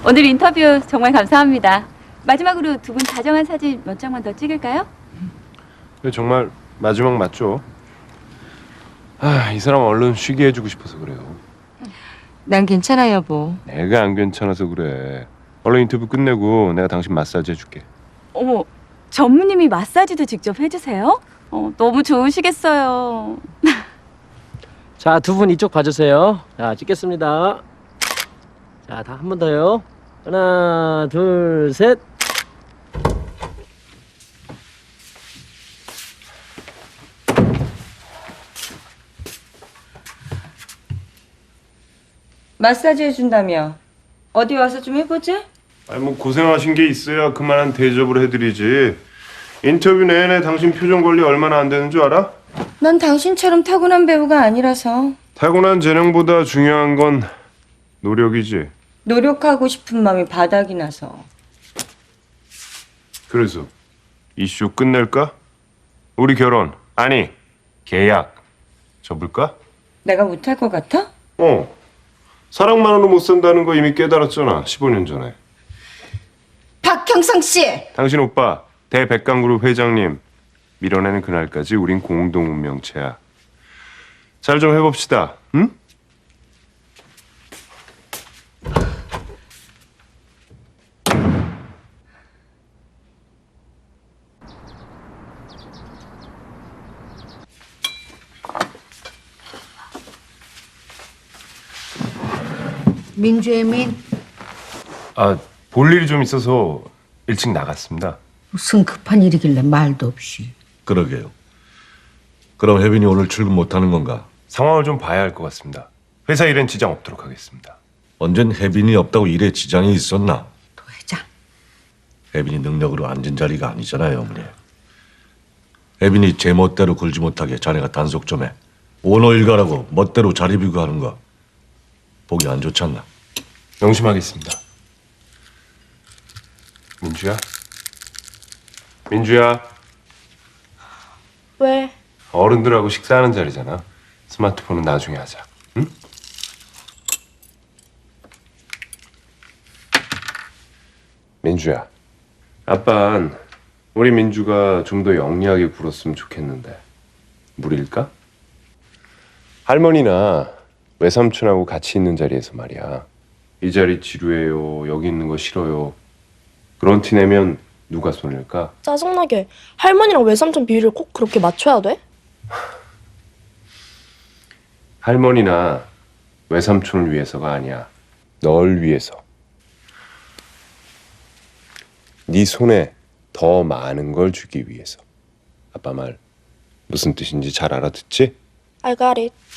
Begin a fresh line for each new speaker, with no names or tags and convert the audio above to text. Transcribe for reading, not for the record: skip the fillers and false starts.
오늘 인터뷰 정말 감사합니다. 마지막으로 두 분 다정한 사진 몇 장만 더 찍을까요?
정말 마지막 맞죠? 이 사람 얼른 쉬게 해주고 싶어서 그래요.
난 괜찮아 여보.
내가 안 괜찮아서 그래. 얼른 인터뷰 끝내고 내가 당신 마사지 해줄게.
어머, 전무님이 마사지도 직접 해주세요? 너무 좋으시겠어요.
자, 두 분 이쪽 봐주세요. 자, 찍겠습니다. 자, 다 한 번 더요. 하나, 둘, 셋.
마사지 해준다며. 어디 와서 좀 해보지?
뭐 고생하신 게 있어야 그만한 대접을 해드리지. 인터뷰 내내 당신 표정 관리 얼마나 안 되는 줄 알아?
난 당신처럼 타고난 배우가 아니라서.
타고난 재능보다 중요한 건 노력이지.
노력하고 싶은 마음이 바닥이 나서.
그래서 이슈 끝낼까? 우리 결혼, 아니 계약 접을까?
내가 못할 것 같아?
사랑만으로 못 산다는 거 이미 깨달았잖아, 15년 전에.
박형성 씨!
당신 오빠 대백강그룹 회장님 밀어내는 그날까지 우린 공동 운명체야. 잘 좀 해봅시다. 응?
민주의 민
볼 일이 좀 있어서 일찍 나갔습니다.
무슨 급한 일이길래 말도 없이.
그러게요. 그럼 혜빈이 오늘 출근 못하는 건가?
상황을 좀 봐야 할 것 같습니다. 회사 일엔 지장 없도록 하겠습니다.
언젠 혜빈이 없다고 일에 지장이 있었나?
도회장,
혜빈이 능력으로 앉은 자리가 아니잖아요, 어머니. 혜빈이 제 멋대로 굴지 못하게 자네가 단속 좀 해. 오너 일가라고 멋대로 자리 비교하는 거 보기 안 좋지 않나?
명심하겠습니다. 민주야? 민주야?
왜?
어른들하고 식사하는 자리잖아. 스마트폰은 나중에 하자. 응? 민주야. 아빤 우리 민주가 좀 더 영리하게 굴었으면 좋겠는데 무리일까? 할머니나 외삼촌하고 같이 있는 자리에서 말이야. 이 자리 지루해요. 여기 있는 거 싫어요. 그런 티 내면 누가 손일까?
짜증나게 할머니랑 외삼촌 비율을 꼭 그렇게 맞춰야 돼?
할머니나 외삼촌을 위해서가 아니야. 널 위해서. 네 손에 더 많은 걸 주기 위해서. 아빠 말 무슨 뜻인지 잘 알아듣지?
I got it.